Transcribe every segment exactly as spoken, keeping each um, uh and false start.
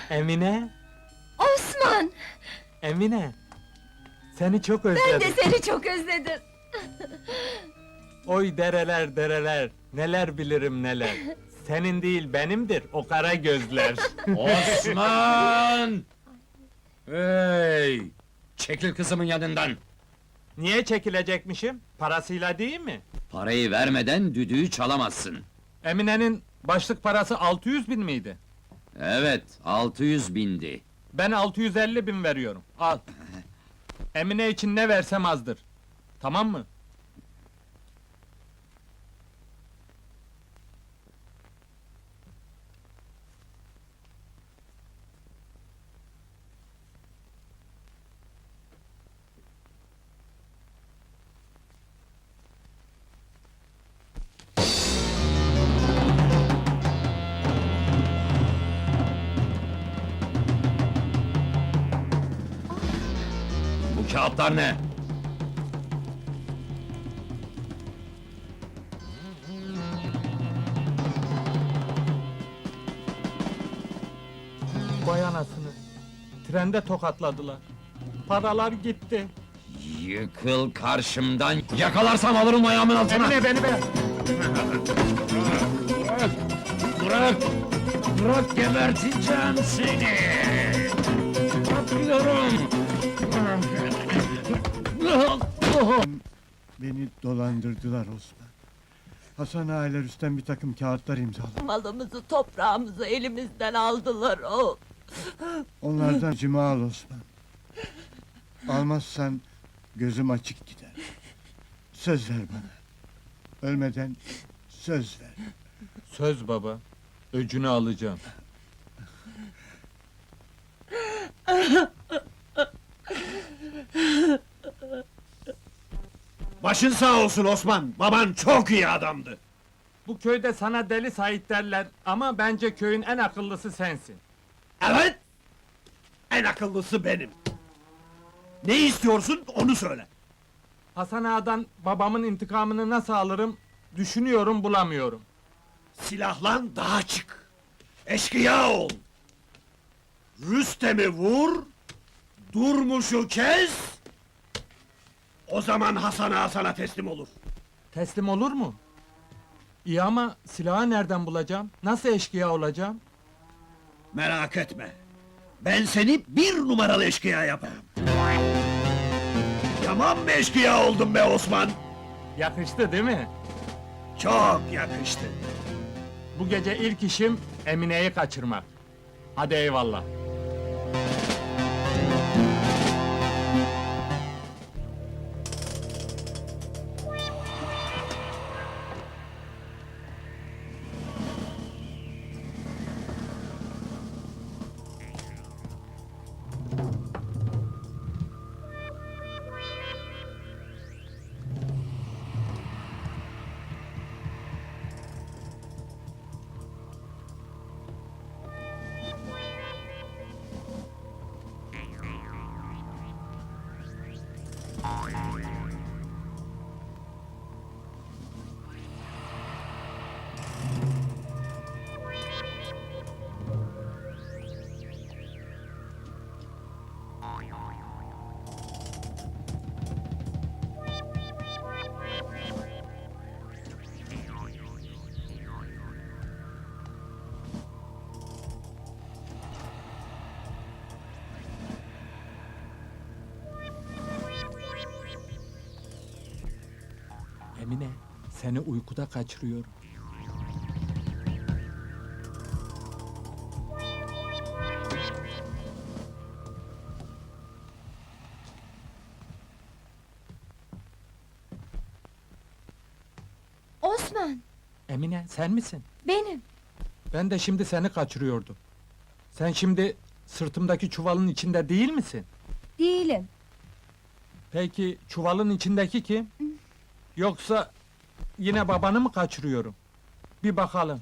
Emine, Osman! Emine. Seni çok Ben özledim. de seni çok özledim. Oy dereler dereler, neler bilirim neler. Senin değil benimdir o kara gözler. Osman! Hey! Çekil kızımın yanından! Niye çekilecekmişim? Parasıyla değil mi? Parayı vermeden düdüğü çalamazsın. Emine'nin başlık parası altı yüz bin miydi? Evet, altı yüz bindi. Ben altı yüz elli bin veriyorum. Al. Emine için ne versem azdır. Tamam mı? Bu kağıtlar ne? Vay anasını. Trende tokatladılar. Paralar gitti. Yıkıl karşımdan, yakalarsam alırım ayağımın altına! Emine beni be! Bırak! Bırak! Bırak, geberteceğim seni! Bırakıyorum! Beni dolandırdılar Osman. Hasan aileler üstten bir takım kağıtlar imzaladı. Malımızı, toprağımızı elimizden aldılar o. Onlardan cima al Osman. Almazsan gözüm açık gider. Söz ver bana. Ölmeden söz ver. Söz baba. Öcünü alacağım. Başın sağ olsun Osman, baban çok iyi adamdı. Bu köyde sana deli Sait derler ama bence köyün en akıllısı sensin. Evet, en akıllısı benim. Ne istiyorsun, onu söyle. Hasan Ağa'dan babamın intikamını nasıl alırım, düşünüyorum bulamıyorum. Silahlan daha çık. Eşkıya ol. Rüstem'i vur, Durmuş'u kes. O zaman Hasan Ağa sana teslim olur. Teslim olur mu? İyi ama silahı nereden bulacağım? Nasıl eşkıya olacağım? Merak etme. Ben seni bir numaralı eşkıya yaparım. Tamam mı eşkıya oldun be Osman? Yakıştı değil mi? Çok yakıştı. Bu gece ilk işim Emine'yi kaçırmak. Hadi eyvallah. Emine, seni uykuda kaçırıyorum. Osman! Emine, sen misin? Benim! Ben de şimdi seni kaçırıyordum. Sen şimdi sırtımdaki çuvalın içinde değil misin? Değilim. Peki çuvalın içindeki kim? Yoksa yine babanı mı kaçırıyorum? Bir bakalım.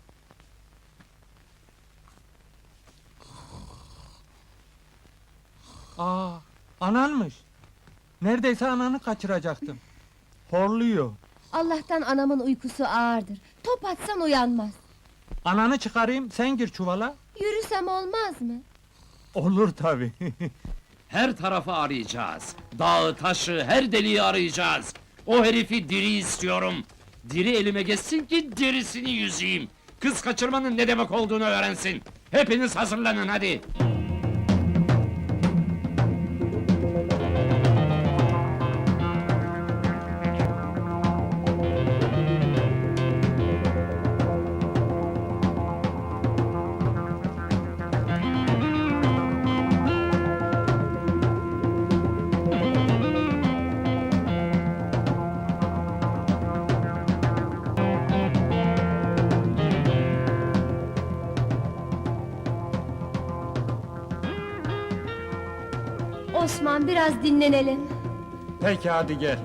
Aa, ananmış. Neredeyse ananı kaçıracaktım. Horluyor. Allah'tan anamın uykusu ağırdır. Top atsan uyanmaz. Ananı çıkarayım, sen gir çuvala. Yürüsem olmaz mı? Olur tabii. Her tarafı arayacağız. Dağı, taşı, her deliği arayacağız. O herifi diri istiyorum. Diri elime geçsin ki derisini yüzeyim. Kız kaçırmanın ne demek olduğunu öğrensin. Hepiniz hazırlanın hadi. Osman, biraz dinlenelim. Peki hadi gel.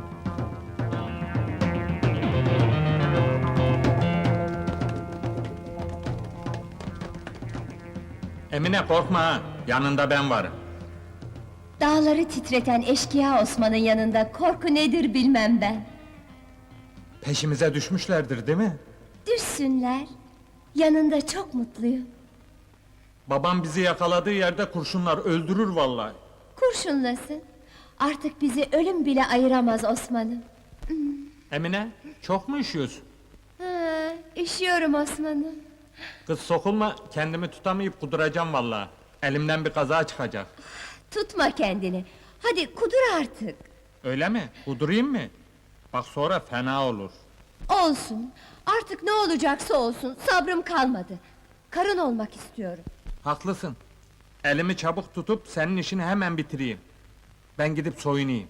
Emine korkma ha, yanında ben varım. Dağları titreten eşkıya Osman'ın yanında korku nedir bilmem ben. Peşimize düşmüşlerdir değil mi? Düşsünler. Yanında çok mutluyum. Babam bizi yakaladığı yerde kurşunlar öldürür vallahi. Kurşunlasın. Artık bizi ölüm bile ayıramaz Osman'ım. Emine, çok mu üşüyorsun? Ha, üşüyorum Osman'ım. Kız sokulma, kendimi tutamayıp kuduracağım vallahi. Elimden bir kaza çıkacak. Tutma kendini. Hadi kudur artık. Öyle mi? Kudurayım mı? Bak sonra fena olur. Olsun. Artık ne olacaksa olsun. Sabrım kalmadı. Karın olmak istiyorum. Haklısın. Elimi çabuk tutup senin işini hemen bitireyim. Ben gidip soyunayım.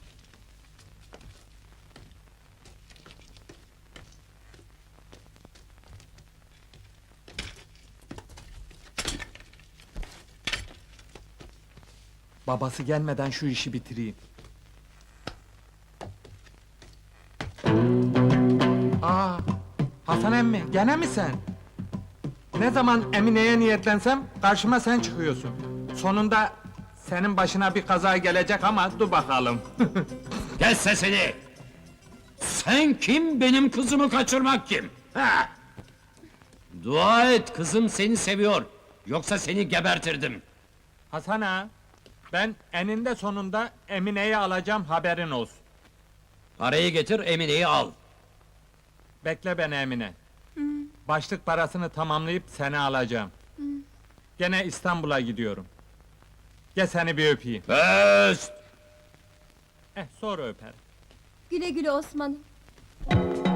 Babası gelmeden şu işi bitireyim. Aa, Hasan emmi, gene mi sen? Ne zaman Emine'ye niyetlensem karşıma sen çıkıyorsun. Sonunda senin başına bir kaza gelecek ama dur bakalım. Kes sesini! Sen kim, benim kızımı kaçırmak kim? Ha? Dua et, kızım seni seviyor. Yoksa seni gebertirdim. Hasan ağa, ben eninde sonunda Emine'yi alacağım, haberin olsun. Parayı getir, Emine'yi al. Bekle beni Emine. Başlık parasını tamamlayıp seni alacağım. Gene İstanbul'a gidiyorum. Gel seni bir öpeyim. Öst! Eh, sonra öperim. Güle güle Osman'ım.